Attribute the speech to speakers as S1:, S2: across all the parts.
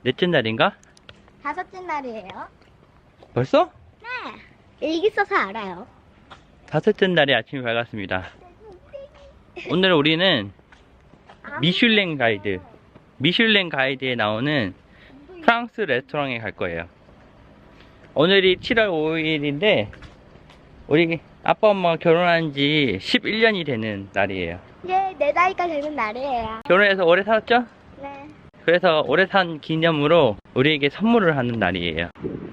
S1: 넷째 날인가?
S2: 다섯째 날이에요.
S1: 벌써?
S2: 네. 일기 써서 알아요.
S1: 다섯째 날에 아침이 밝았습니다. 오늘 우리는 미슐랭 가이드에 나오는 프랑스 레스토랑에 갈 거예요. 오늘이 7월 5일인데 우리 아빠 엄마가 결혼한 지 11년이 되는 날이에요.
S2: 이제 내 나이가 되는 날이에요.
S1: 결혼해서 오래 살았죠?
S2: 네.
S1: 그래서 오래 산 기념으로 우리에게 선물을 하는 날이에요.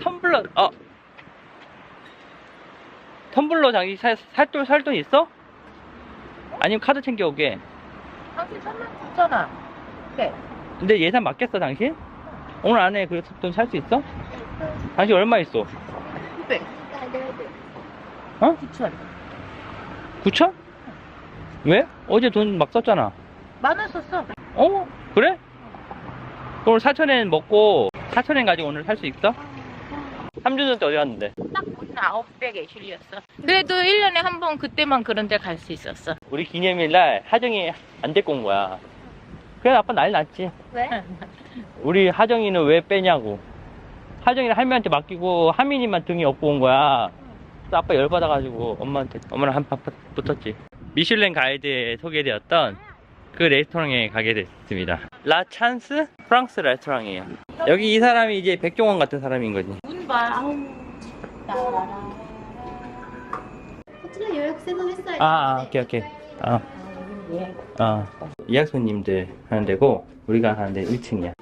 S1: 텀블러 장기 살 돈 있어? 아니면 카드 챙겨오게.
S3: 당신 선물 줬잖아. 그래.
S1: 근데 예산 맞겠어 당신? 오늘 안에 그 돈 살 수 있어? 당신 얼마 있어?
S3: 900.
S1: 어?
S3: 9,000.
S1: 9천? 왜? 어제 돈 막 썼잖아.
S3: 만원 썼어.
S1: 어? 그래? 그럼 4,000엔 먹고 4,000엔 가지고 오늘 살 수 있어? 3주 전에 어디 갔는데?
S3: 딱 오늘 900에 실렸어. 그래도 1년에 한 번 그때만 그런 데 갈 수 있었어.
S1: 우리 기념일날 하정이 안 데리고 온 거야. 그래서 아빠 난리 났지.
S2: 왜?
S1: 우리 하정이는 왜 빼냐고. 하정이는 할머니한테 맡기고 하민이만 등이 업고 온 거야. 그래서 아빠 열받아가지고 엄마랑 한판 붙었지. 미슐랭 가이드에 소개되었던 그 레스토랑에 가게 됐습니다. 라 찬스? 프랑스 레스토랑이에요. 여기 이 사람이 이제 백종원 같은 사람인 거지.
S3: 문 봐. 아우.
S2: 호텔予約制도 했어요.
S1: 오케이. 예약 손님들 하는 데고 우리가 하는 데 1층이야.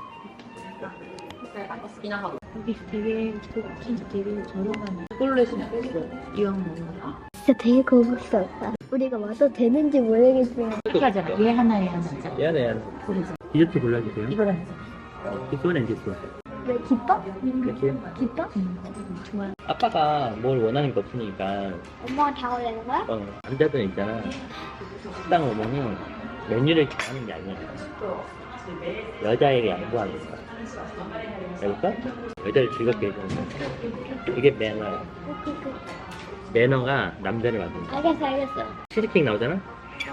S3: 여기 되게 진짜 되게 저렴한 이걸로 해서 먹었어. 이왕 먹는 거.
S2: 진짜 되게 고급스럽다. 우리가 와도 되는지 모르겠지만.
S3: 이렇게 하잖아. 얘 하나, 얘 하나.
S1: 얘네.
S3: 고르자.
S1: 디저트 골라주세요.
S3: 이거랑
S1: 기소는 기소.
S2: 왜 기뻐?
S1: 이렇게.
S2: 기뻐?
S3: 좋아요.
S1: 아빠가 뭘 원하는 게 없으니까
S2: 엄마가 다 올리는 거야?
S1: 남자들 있잖아. 식당 오면은 메뉴를 정하는 게 아니야. 여자에게 양보하는 거야. 알겠어? 여자를 즐겁게 해주는 거야. 그게 매너야. 매너가 남자를 만든다.
S2: 알겠어.
S1: 치즈케이크 나오잖아?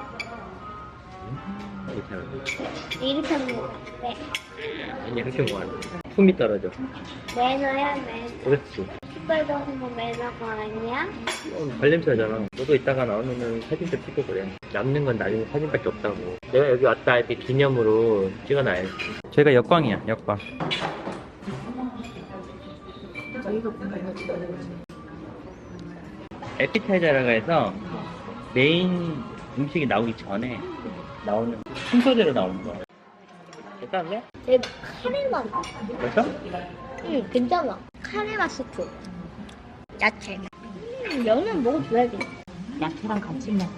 S1: 이렇게 하는 거야.
S2: 이렇게 하는 거. 네.
S1: 아니 그렇게 뭐하는 거야. 품이 떨어져.
S2: 매너야, 매너.
S1: 그렇지.
S2: 신발도 하는 거 매너가 아니야?
S1: 발냄새 나잖아. 너도 이따가 나오면은 사진도 찍고 그래. 남는 건 나중에 사진밖에 없다고. 내가 여기 왔다 이렇게 기념으로 찍어놔야지. 저희가 역광이야, 역광.
S3: 저희가 보는 거지.
S1: 에피타이저라고 해서 메인 음식이 나오기 전에 나오는 순서대로 나오는 거야. 괜찮은데?
S2: 되게 카레 맛.
S1: 벌써?
S2: 응, 괜찮아. 카레 맛 스프. 야채. 면은 먹어줘야지.
S3: 야채랑 같이 먹어.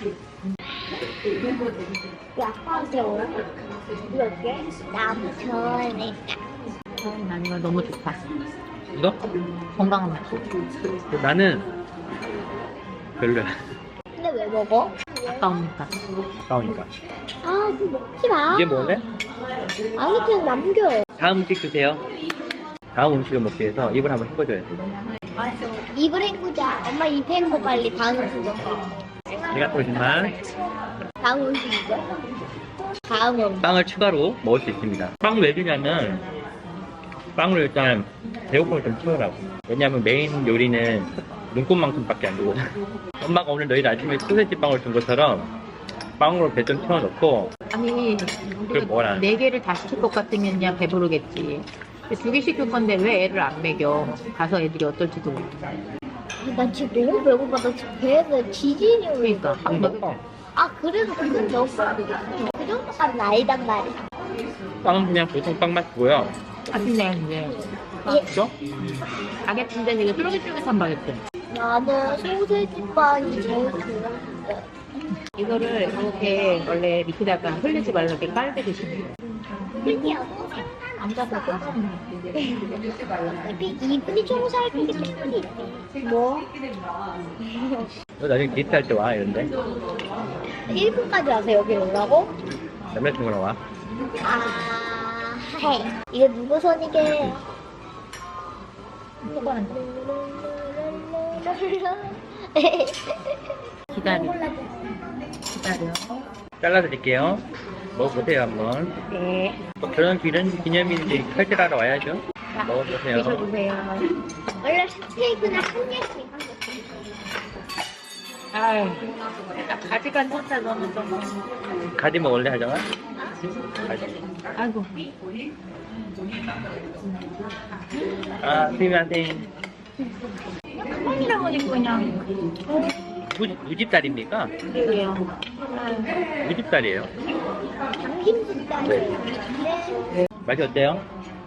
S2: 그 아빠한테 오라. 이렇게 남편이니까.
S3: 난 이거 너무 좋다.
S1: 이거?
S3: 건강한 맛.
S1: 나는 별로야.
S2: 근데 왜 먹어?
S3: 아까우니까.
S1: 나오니까.
S2: 아, 그거 먹지 마.
S1: 이제 먹을래?
S2: 아니, 그냥 남겨.
S1: 다음 음식 주세요. 다음 음식을 먹기 위해서 입을 한번 헹궈줘야 돼.
S2: 입을 헹구자. 엄마 입 헹구 빨리. 다음 음식.
S1: 내가 또 정말
S2: 다음 음식이죠? 다음 음식.
S1: 빵을 추가로 먹을 수 있습니다. 빵 왜 주냐면 빵을 일단 배고픔을 좀 채우라고. 왜냐면 메인 요리는 눈곱만큼밖에 안 주거든. 엄마가 오늘 너희들 아침에 소세지 빵을 준 것처럼 빵으로 배 좀 채워놓고.
S3: 아니,
S1: 그걸 뭐라?
S3: 4개를 다 시킬 것 같으면 그냥 배부르겠지. 2개 시킬 건데 왜 애를 안 먹여? 가서 애들이 어떨지도 모르겠어.
S2: 나 지금 너무 배고파. 나 지금 배에서 지진이 오니까.
S3: 그러니까 밥 먹어.
S2: 아, 그래서 그건 넣었어. 그 정도까지는 아니단 말이야.
S1: 빵은 그냥 보통 빵 맛이고요.
S3: 맛있네, 이제.
S1: 그죠?
S3: 바게트인데 이게 쫄깃쫄깃한 바게트.
S2: 나는 소세지 빵이 제일 좋아하는데.
S3: 이거를 이렇게 원래 밑에다가 흘리지 말라고 깔게 드시면 돼요.
S2: 특이하고
S3: 앉아서 뜯어먹는
S2: 이분이 좀 살기 때문이지. 뭐?
S1: 너 나중에 데이트할 때 와 이런데.
S2: 1분까지 와서 여기 오라고?
S1: 남자친구랑 와.
S2: 아, 해. 이게 누구 손이게?
S3: 초반한테. 기다려. 기다려.
S1: 잘라드릴게요. 먹어보세요 한번.
S3: 네.
S1: 또 그런 기념일인데 칼질하러 와야죠. 먹어보세요.
S3: 드셔보세요.
S2: 원래 스테이크는 한 개씩 한 개씩.
S3: 아유, 가지간 혼자 너무 좀.
S1: 가지 먹을래 하정아? 가지.
S3: 아이고.
S1: 아 스미마셍.
S3: 가만이라고 하니까 그냥.
S1: 무집살입니까?
S3: 그래요.
S1: 무집살이에요.
S2: 당김치다. 네.
S1: 맛이 어때요?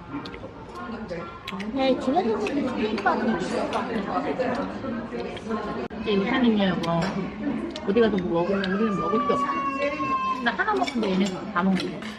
S2: 네, 집에서 먹는 스테이크가 더 맛있을 것 같아요.
S3: 이제 유산이냐 이거. 어디 가서 뭐 먹으면 우리는 먹을 게 없어. 나 하나 먹는데 얘네는 다 먹는 거.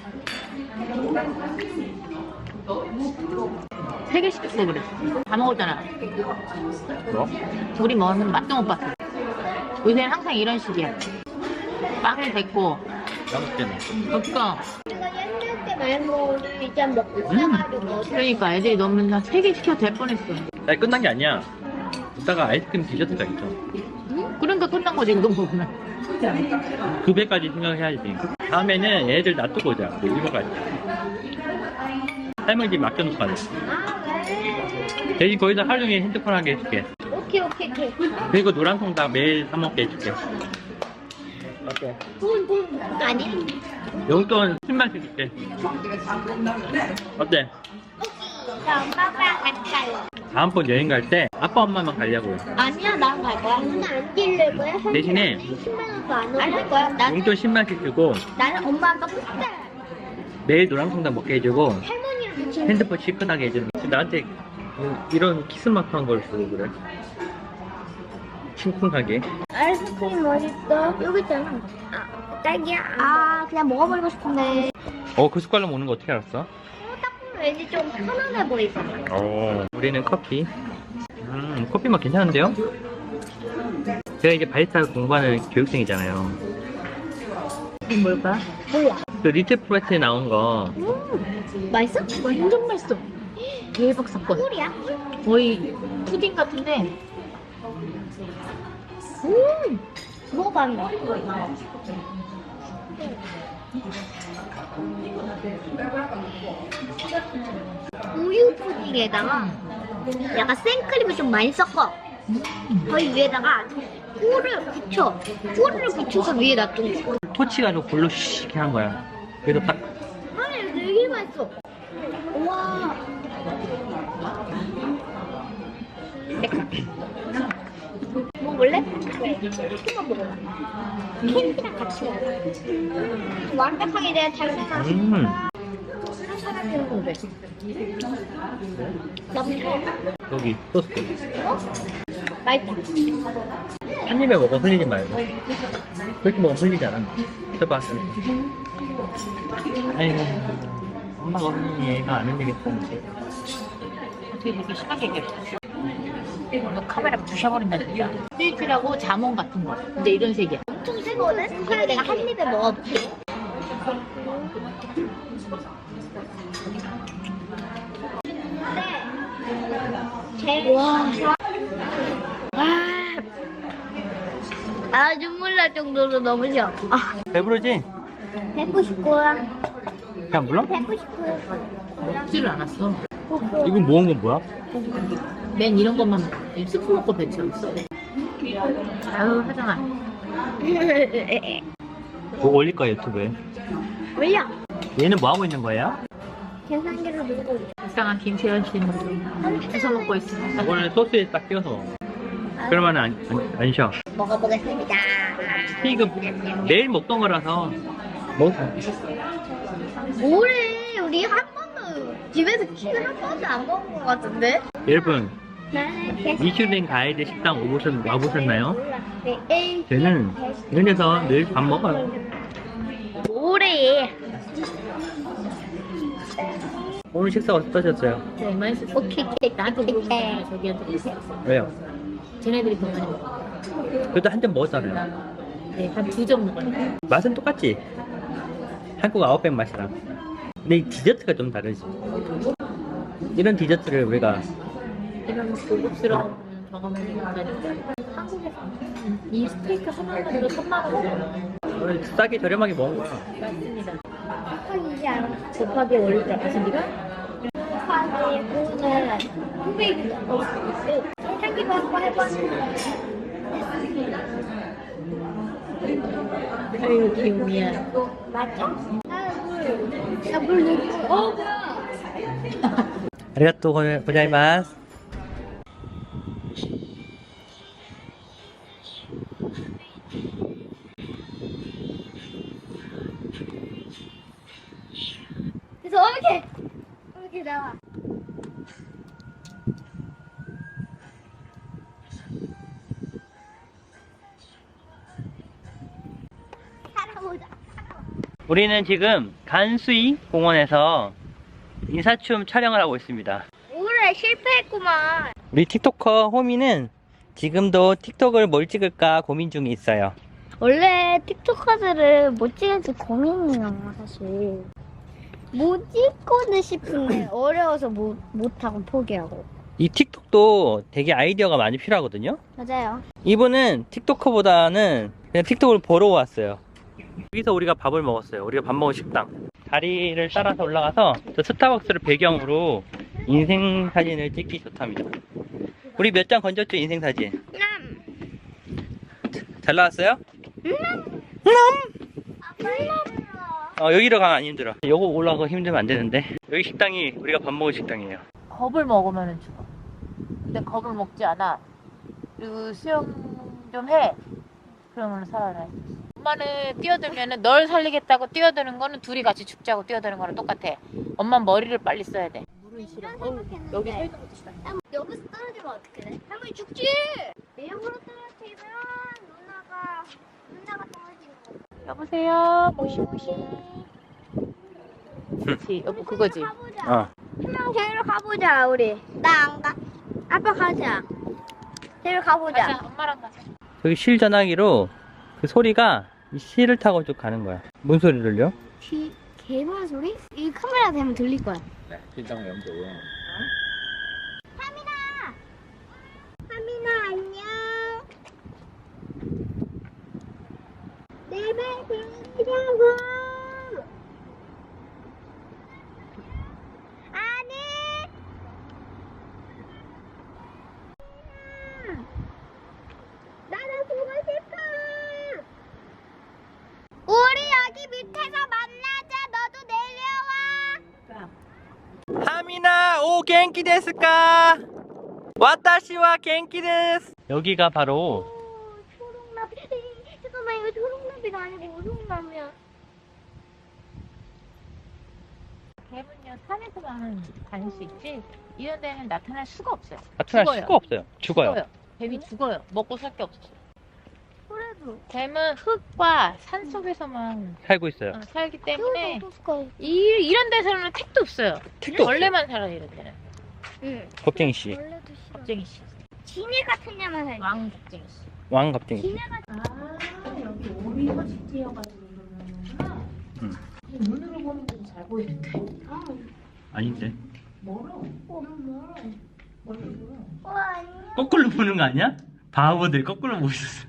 S3: 3개 시켰어 그랬어. 다 먹었잖아.
S1: 뭐?
S3: 우리 먹으면 맛도 못 봤어. 요새는 항상 이런 식이야. 빵이 됐고.
S1: 맛있잖아.
S3: 그러니까.
S2: 우리가 옛날 때 말고 이제 먹고 나가지고
S3: 그러니까 애들이 너무 3개 시켜도 될 뻔했어.
S1: 나 끝난 게 아니야. 이따가 아이스크림 디저트가 있죠.
S3: 그러니까 끝난 거지 이거 먹으면.
S1: 그 배까지 생각해야지. 다음에는 얘네들 놔두고 오자. 우리 일본 가자. 할머니 집 맡겨놓고 가자.
S2: 아, 네.
S1: 대신 거기서 하루 종일 핸드폰 하게 해줄게.
S2: 오케이.
S1: 그리고 노란 통닭 매일 사 먹게 해줄게. 어때?
S2: 돈 아니?
S1: 용돈 10만씩 줄게. 어때?
S2: 나 엄마랑 같이 가요.
S1: 다음번 여행 갈 때 아빠 엄마만 가려고요.
S2: 아니야, 나랑 갈 거야. 누나 안 뛸래 거야?
S1: 대신에
S2: 10만 원도 안할 거야.
S1: 용돈 10만씩 주고
S2: 나는 엄마 아빠 끝에
S1: 매일 노란 통닭 먹게 해주고
S2: 할머니랑 같이
S1: 핸드폰 시큰하게 해주는. 나한테 이런 키스마크한 걸 주고 그래. 심쿵하게.
S2: 아이스크림 어딨어? 여기 있잖아. 아, 딸기야. 아, 그냥 먹어버리고 싶은데.
S1: 그 숟갈로 먹는 거 어떻게 알았어?
S2: 딱 보면 왠지 좀 편안해 보이잖아.
S1: 우리는 커피. 커피 맛 괜찮은데요? 제가 이제 바리스타 공부하는 교육생이잖아요.
S3: 이게 뭘까?
S2: 몰라.
S1: 그 리틀 프레스에 나온 거
S2: 맛있어?
S3: 완전 맛있어. 대박 사건.
S2: 꿀이야?
S3: 거의 푸딩 같은데.
S2: 먹어봐. 우유 푸딩에다가 약간 생크림을 좀 많이 섞어. 거기 위에다가 꿀을 붙여. 꿀을 붙여서 위에 놔둔 거.
S1: 토치 가지고 볼로 씩 이렇게 한 거야. 그래서 딱
S2: 아니, 되게 맛있어. 우와. 먹을래? 조금만 먹어봐. 캔디랑 같이 먹어. 완벽하게 내가 잘 생각했어. 사람이 오는데. 너무 잘.
S1: 여기 소스.
S2: 어? 맛있다.
S1: 한 입에 먹어 흘리지 말고. 그렇게 먹으면 흘리잖아. 해봐. 아이고 엄마가 흘리니 얘가 안 흘리겠다.
S3: 어떻게 그렇게 심하게 얘기했어? 너 카메라 부셔버린다 진짜. 스위트라고 자몽 같은 거. 근데 이런 색이야.
S2: 엄청 세거든? 그래 내가 한 입에 먹어볼게. 와. 아, 눈물 날 정도로 너무 좋아. 아,
S1: 배부르지?
S2: 뵙고 싶고요.
S1: 그냥 불러?
S2: 뵙고 싶고요.
S3: 먹지를 않았어.
S1: 이건 모은 건 뭐야?
S3: 맨 이런 것만 스프 먹고 배치웠어. 아유 하정아.
S1: 뭐 올릴 거야 유튜브에.
S2: 왜요?
S1: 얘는 뭐 하고 있는 거예요?
S2: 계산기를 들고 있어.
S3: 이상한 김채연 씨는 주워 먹고 있습니다.
S1: 이거는 소스에 딱 띄워서 먹어. 그러면 안 쉬어.
S2: 먹어보겠습니다.
S1: 이거 매일 먹던 거라서 먹어.
S2: 뭐래? 우리 한 번도 집에서 킥을 한 번도 안 먹은 것 같은데?
S1: 여러분
S2: 나는 계산.
S1: 미슐랭 가이드 식당 와보셨나요?
S2: 네.
S1: 저는 이런 데서 늘 밥 먹어요.
S2: 뭐래?
S1: 오늘 식사 어떠셨어요?
S3: 네 맛있어.
S2: 오케이.
S3: 나도 모르겠어. 저기한테 있어.
S1: 왜요?
S3: 쟤네들이 더 많이 먹어.
S1: 그래도 한 잔 먹었잖아요.
S3: 네, 한 2점 먹어요.
S1: 맛은 똑같지? 한국 아웃백 맛이랑. 근데 이 디저트가 좀 다르지. 이런 디저트를 우리가
S3: 이런 고급스러운 경험을 못하니까. 한국에서 이 스테이크 하나만으로 3만 원.
S1: 싸게 저렴하게 먹은 거야.
S3: 맞습니다.
S2: 곱하기지 않아.
S3: 곱하기 원래 줄 알았어, 네가?
S2: 곱하기 5는 900. 계산기도 한번 해봤는데.
S3: 아유, 귀여우야.
S2: 맞아? 나물 넣고. 뭐야?
S1: 아리가또 고자이마스.
S2: 그래서 이렇게 나와. 살아보자.
S1: 우리는 지금 간수이 공원에서 인사춤 촬영을 하고 있습니다.
S2: 올해 실패했구만.
S1: 우리 틱토커 호미는 지금도 틱톡을 뭘 찍을까 고민 중에 있어요.
S2: 원래 틱톡커들을 못 찍을지 고민이에요, 사실. 못 찍고는 싶은데 어려워서 못하고 포기하고.
S1: 이 틱톡도 되게 아이디어가 많이 필요하거든요.
S2: 맞아요.
S1: 이분은 틱토커보다는 그냥 틱톡을 보러 왔어요. 여기서 우리가 밥을 먹었어요. 우리가 밥 먹은 식당. 다리를 따라서 올라가서 저 스타벅스를 배경으로 인생 사진을 찍기 좋답니다. 우리 몇 장 건졌죠, 인생 사진? 잘 나왔어요? 여기로 가면 안 힘들어. 요거 올라가고 힘들면 안 되는데. 여기 식당이 우리가 밥 먹은 식당이에요.
S3: 겁을 먹으면 죽어. 근데 겁을 먹지 않아. 그리고 수영 좀 해. 그러면 살아나야 돼. 엄마는 뛰어들면은 널 살리겠다고 뛰어드는 거는 둘이 같이 죽자고 뛰어드는 거랑 똑같아. 엄마 머리를 빨리 써야 돼. 물은 싫어. 여기 서 있는 것도 싫어.
S2: 여기서 떨어지면 어떻게 돼? 할머니 죽지! 내역으로 떨어지면 누나가 떨어지는 거.
S3: 여보세요. 모시모시. 그렇지. 여보 그거지.
S2: 가보자. 한명 데리러 가보자, 우리. 나 안 가. 아빠 가자. 데리러 가보자.
S3: 가자. 엄마랑 가자.
S1: 저기 실 전화기로 그 소리가 이 실을 타고 쭉 가는 거야. 뭔 소리를 들려?
S2: 개발 소리? 이 카메라 대면 들릴 거야.
S4: 네, 실장 염도.
S2: 하민아 안녕. 내말 들으려고. 아니. 나도 보고 싶어. 우리 여기 밑에서 만나자. 너도 내려와.
S1: 하미나 오 겐키 데스까? 와타시와 겐키 데스. 여기가 바로
S2: 초록나비. 잠깐만, 이거 초록나비가 아니고 우송나무야.
S3: 개는요 산에서만 다닐 수 있지 이런 데는 나타날 수가 없어요.
S1: 나타날
S3: 죽어요.
S1: 수가 없어요. 죽어요.
S3: 뱀이 죽어요. 먹고 살 게 없어요.
S2: 그래도.
S3: 뱀은 흙과 산 속에서만
S1: 살고 있어요.
S3: 살기 때문에
S2: 어떡해.
S3: 이런 데서는 택도 없어요.
S1: 택도
S3: 벌레만 살아요 이런 데는.
S2: 응.
S1: 겁쟁이 씨.
S2: 원래도 싫어.
S3: 겁쟁이 씨.
S2: 지네 같은 냐만 살지.
S3: 왕 겁쟁이 씨.
S1: 왕 겁쟁이 씨.
S2: 지네 같은.
S3: 여기 오리가 집지어가지고 그러는구나. 눈으로 보는 건 잘 보이는데.
S1: 아닌데.
S3: 멀어. 멀어.
S2: 와, 안녕.
S1: 거꾸로 보는 거 아니야? 바보들 거꾸로 보고 있었어.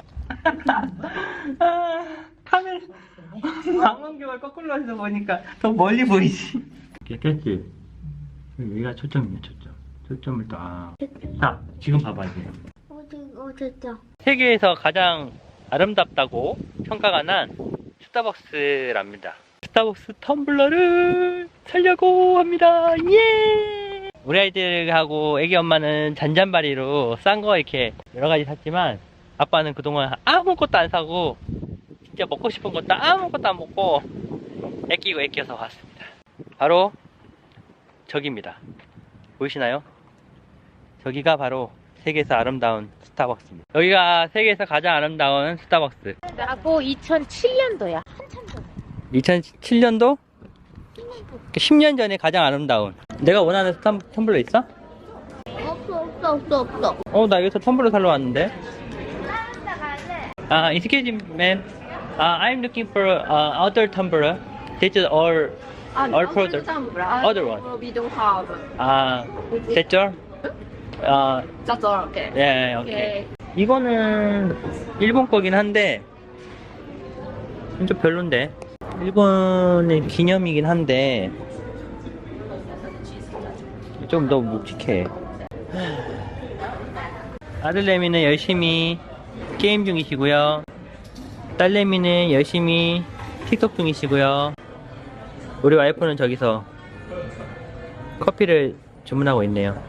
S1: 카메라 망원경을 거꾸로 해서 보니까 더 멀리 보이지. 됐지? 여기가 초점이야, 초점. 초점을 또 자, 지금 봐봐 이제.
S2: 됐다.
S1: 세계에서 가장 아름답다고 평가가 난 스타벅스랍니다. 스타벅스 텀블러를 사려고 합니다. 예! 우리 아이들하고 애기 엄마는 잔잔바리로 싼 거 이렇게 여러 가지 샀지만 아빠는 그동안 아무것도 안 사고 진짜 먹고 싶은 것도 아무것도 안 먹고 애끼고 왔습니다. 바로 저기입니다. 보이시나요? 저기가 바로 세계에서 아름다운 스타벅스입니다. 여기가 세계에서 가장 아름다운 스타벅스.
S3: 나고 2007년도야. 한참 전에.
S1: 2007년도? 10년 전에 가장 아름다운. 내가 원하는 텀블러 있어?
S2: 없어.
S1: 나 여기서 텀블러 사러 왔는데.
S2: 나 갈래.
S1: Excuse me, ma'am. I'm looking for other tumbler. This is all product. Other one.
S5: We don't have.
S1: That's all?
S5: That's all. Okay.
S1: 예, 오케이. 이거는 일본 거긴 한데 좀 별론데. 일본의 기념이긴 한데 좀 너무 묵직해. 아들내미는 열심히 게임 중이시고요. 딸내미는 열심히 틱톡 중이시고요. 우리 와이프는 저기서 커피를 주문하고 있네요.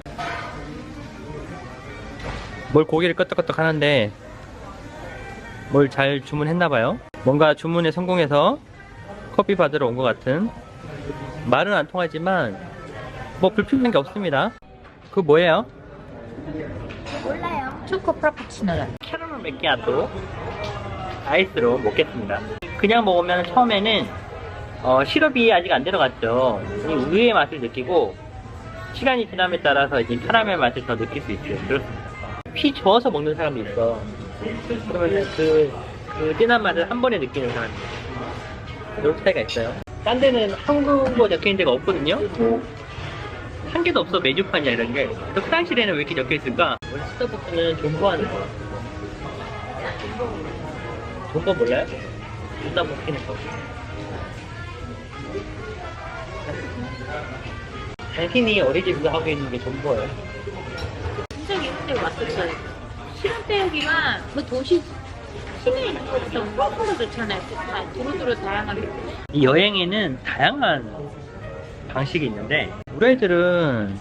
S1: 뭘 고개를 끄덕끄덕 하는데 뭘 잘 주문했나봐요. 뭔가 주문에 성공해서 커피 받으러 온 것 같은. 말은 안 통하지만 뭐 불편한 게 없습니다. 그거 뭐예요?
S2: 몰라요.
S3: 초코 프라푸치노요.
S1: 캐러멜 맥키아토 아이스로 먹겠습니다. 그냥 먹으면 처음에는 시럽이 아직 안 들어갔죠. 이 우유의 맛을 느끼고 시간이 지남에 따라서 이제 캐러멜 맛을 더 느낄 수 있어요. 그렇습니다. 피 저어서 먹는 사람도 있어. 그러면 그 진한 맛을 한 번에 느끼는 사람이 있어요. 이런 차이가 있어요. 딴 데는 한국어 적혀있는 데가 없거든요. 한 개도 없어. 메뉴판이야 이런 게. 또 프랑스에는 왜 이렇게 적혀있을까? 원래 스타벅스는 존버하는 거. 존버 몰라요? 존나 먹히는 거. 당신이 어린이집에서 하고 있는 게 존버예요.
S3: 진짜 이런 데 왔었어요. 시간 때우기만 그 도시 시내에 있는 것보다 훨씬 더 좋잖아요. 다 두루두루 다양하게.
S1: 이 여행에는 다양한 방식이 있는데 우리 애들은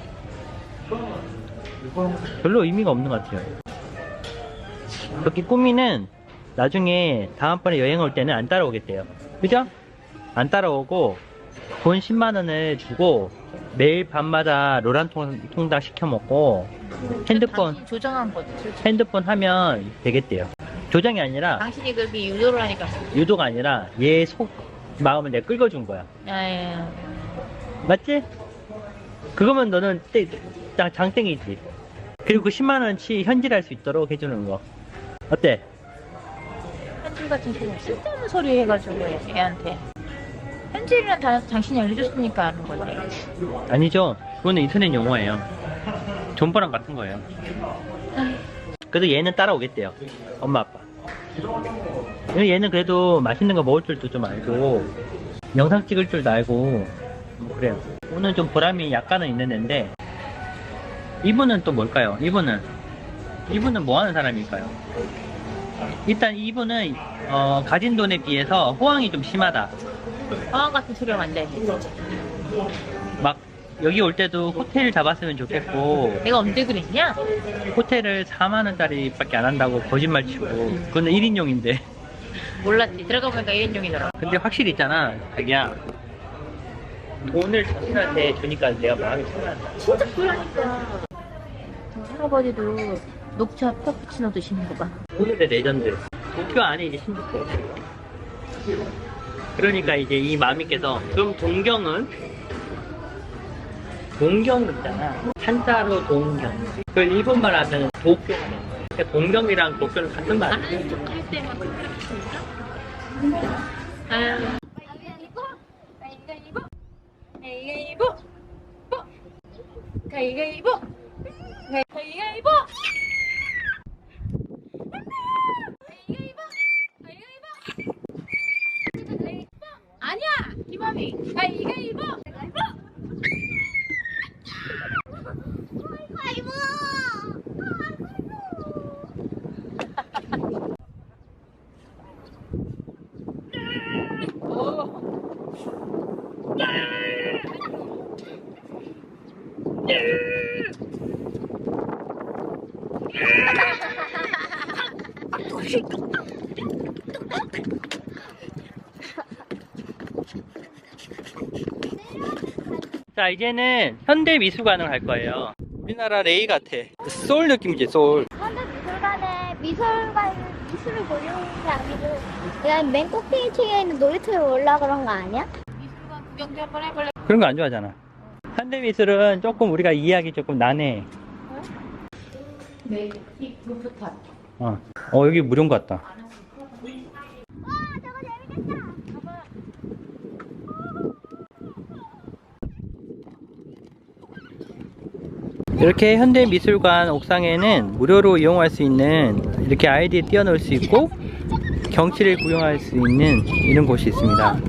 S1: 별로 의미가 없는 것 같아요. 그렇게 꾸미는 나중에 다음번에 여행 올 때는 안 따라오겠대요. 그죠? 안 따라오고 돈 10만원을 주고 매일 밤마다 로란통닭 시켜 먹고 핸드폰
S3: 당신이 조정한 거지. 솔직히.
S1: 핸드폰 하면 되겠대요. 조정이 아니라
S3: 당신이 그렇게 유도를 하니까.
S1: 유도가 아니라 얘 속 마음을 내가 긁어준 거야.
S3: 야.
S1: 맞지? 그거면 너는 장땡이지. 그리고 그 10만원치 현질할 수 있도록 해주는 거 어때?
S3: 현질 같은 소리 쓸데없는 소리 해가지고 애한테. 현질이란 단어 당신이 알려줬으니까 아는 거지.
S1: 아니죠. 그거는 인터넷 용어예요. 존버랑 같은 거예요. 그래도 얘는 따라오겠대요. 엄마 아빠. 얘는 그래도 맛있는 거 먹을 줄도 좀 알고 영상 찍을 줄도 알고 뭐 그래요. 오늘 좀 보람이 약간은 있는 애인데 이분은 또 뭘까요? 이분은 뭐 하는 사람일까요? 일단 이분은 가진 돈에 비해서 호황이 좀 심하다.
S3: 어항 같은 소리가 안 돼.
S1: 막 여기 올 때도 호텔 잡았으면 좋겠고
S3: 내가 언제 그랬냐?
S1: 호텔을 4만원짜리 밖에 안 한다고 거짓말 치고 그건 1인용인데
S3: 몰랐지. 들어가 보니까 1인용이더라.
S1: 근데 확실히 있잖아 자기야 돈을 자신한테 주니까 내가 마음이 편하다.
S3: 진짜 그러니까. 할아버지도 녹차 카푸치노 드시는 거 봐.
S1: 오늘의 레전드 도쿄 안에 이제 신주쿠 그러니까 이제 이 마미께서 그럼 동경 있잖아. 한자로 동경. 그걸 일본말 하면 도쿄가 되는 거예요. 그러니까 동경이랑 도쿄는 같은 말이에요.
S3: 아는 척 할 때만 그렇게 했습니다. 가위가위보, 가위가위보, 가위가위보, 아니야, 김아미, 가위가위보.
S2: 아이고.
S1: 자 이제는 현대미술관을 갈 거예요. 우리나라 레이 같아. 소울 느낌이지 소울.
S2: 현대미술관에 미술을 보려는 게 아니고 그냥 맨 꼭대기층에 있는 놀이터에 올라 그런 거 아니야?
S3: 미술관 구경 좀 한번 해볼래?
S1: 그런 거 안 좋아하잖아. 현대미술은 조금 우리가 이해하기 조금 난해.
S3: 네, 이 루프탑.
S1: 여기 무료인 것 같다.
S2: 와 저거 재밌겠다.
S1: 이렇게 현대미술관 옥상에는 무료로 이용할 수 있는 이렇게 아이디 띄워놓을 수 있고 경치를 구경할 수 있는 이런 곳이 있습니다.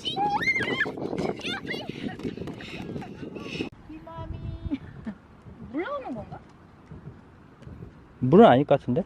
S3: 이맘이 물러오는 건가?
S1: 물은 아닐 것 같은데?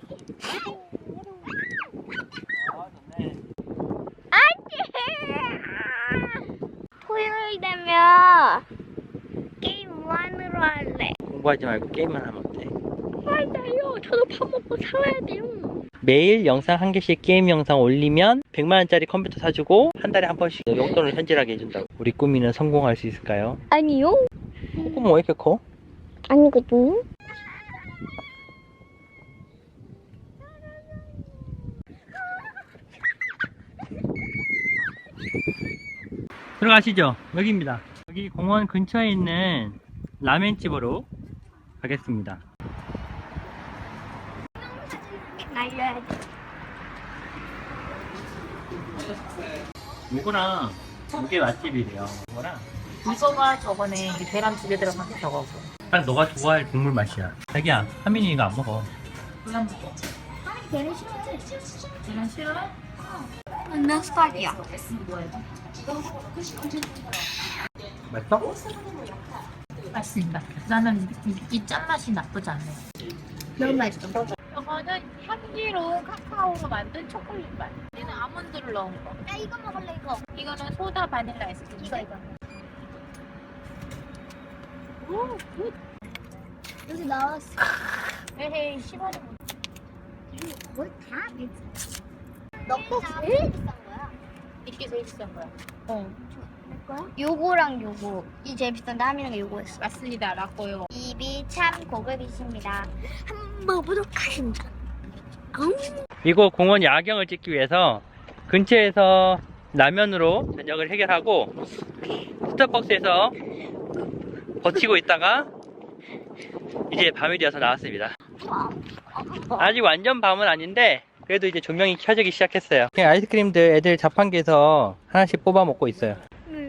S2: 토요일 되면 게임 무한으로 할래.
S1: 공부하지 말고 게임만 하면 어때?
S2: 맞아요. 저도 밥 먹고 살아야 돼요.
S1: 매일 영상 한 개씩 게임 영상 올리면 100만원짜리 컴퓨터 사주고 한 달에 한 번씩 용돈을 현질하게 해준다고. 우리 꾸미는 성공할 수 있을까요?
S2: 아니요.
S1: 꿈은 왜 이렇게 커?
S2: 아니거든요.
S1: 들어가시죠. 여기입니다. 여기 공원 근처에 있는 라멘집으로 가겠습니다.
S2: 날려야지.
S1: 이거랑 이게 맛집이래요. 이거랑
S3: 이거가 저번에 계란 두 개 들어간 저거고.
S1: 딱 너가 좋아할 국물 맛이야. 자기야, 하민이 이거 안 먹어.
S3: 계란 먹어.
S2: 걔는 싫어해.
S3: 계란 싫어?
S2: 몇 살이야?
S1: 맛있어?
S3: 맛있습니다. 나는 이 짠맛이 나쁘지 않네.
S2: 너무 맛있어.
S3: 이거는 향기로운 카카오로 만든 초콜릿 맛. 얘는 아몬드를 넣은 거.
S2: 야, 이거 먹을래, 이거.
S3: 이거는 소다 바닐라 아이스크림.
S2: 이거. 오, 굿. 여기 나왔어.
S3: 에헤이, 시간이 못.
S2: 뭘다 비싸. 너거 제일 비싼 거야.
S3: 이게 제일 비싼 거야. 어.
S2: 내 거야? 요거랑 요거. 이 제일 비싼데 하민이가 요거 했어.
S3: 맞습니다. 라꼬요.
S2: 입이 참 고급이십니다. 한번 먹어보도록 하겠습니다.
S1: 이거 공원 야경을 찍기 위해서 근처에서 라면으로 저녁을 해결하고 스타벅스에서 버티고 있다가 이제 밤이 되어서 나왔습니다. 아직 완전 밤은 아닌데 그래도 이제 조명이 켜지기 시작했어요. 그냥 아이스크림들 애들 자판기에서 하나씩 뽑아 먹고 있어요.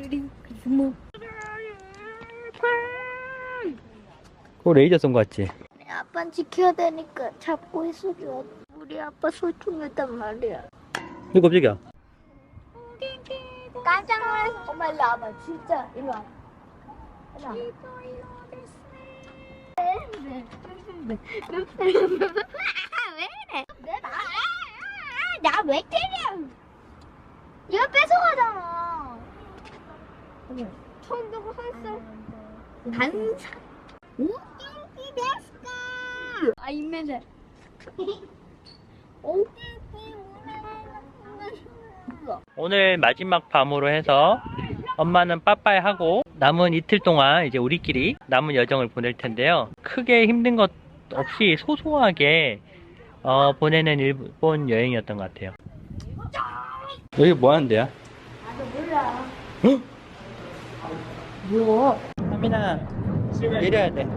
S1: 그거 레이저 쏜 거 같지?
S2: 우리 아빠는 지켜야 되니까 잡고 있어줘. 우리 아빠 소중했단 말이야.
S1: 이거 깜짝이야.
S2: 깜짝 놀랐어. 엄마 일로 와봐. 진짜 일로 와. 일로 와. 왜 이래? 나 왜 때려? 얘가 뺏어가잖아. 처음 두고 했어. 반사. 오케이, 됐어. 아, 이메일.
S1: 오늘 마지막 밤으로 해서 엄마는 빠빠이 하고 남은 이틀 동안 이제 우리끼리 남은 여정을 보낼 텐데요. 크게 힘든 것 없이 소소하게 보내는 일본 여행이었던 것 같아요. 여기 뭐 하는 데야?
S2: 나도 몰라.
S1: 헉?
S3: 뭐?
S1: 하민아, 내려야 돼.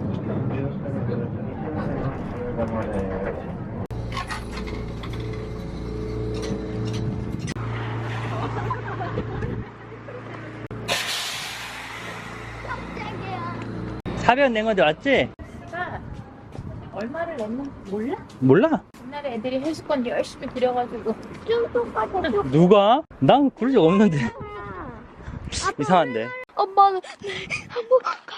S1: 사변 낸 건데 왔지?
S3: 내가 얼마를 냈는지 몰라?
S1: 몰라.
S3: 옛날에 애들이 해수권 열심히 들여가지고
S1: 누가? 난 그런 적 없는데. 이상한데.
S2: 엄마는 한번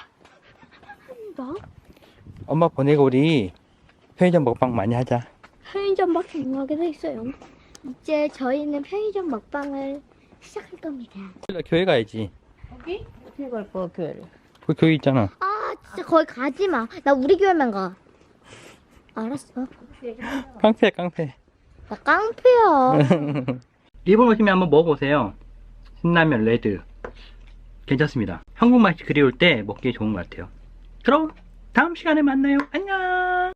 S2: 한다.
S1: 엄마 보내고 우리 편의점 먹방 많이 하자.
S2: 편의점 먹방 하게 돼 있어요. 이제 저희는 편의점 먹방을 시작할 겁니다.
S1: 교회 가야지.
S3: 여기? 어떻게 갈 거야 교회를?
S1: 그 교회 있잖아.
S2: 아 진짜 거기 가지 마. 나 우리 교회만 가. 알았어.
S1: 깡패 깡패.
S2: 나 깡패야.
S1: 일본 오시면 한번 먹어보세요. 신라면 레드 괜찮습니다. 한국 맛이 그리울 때 먹기 좋은 것 같아요. 그럼 다음 시간에 만나요. 안녕.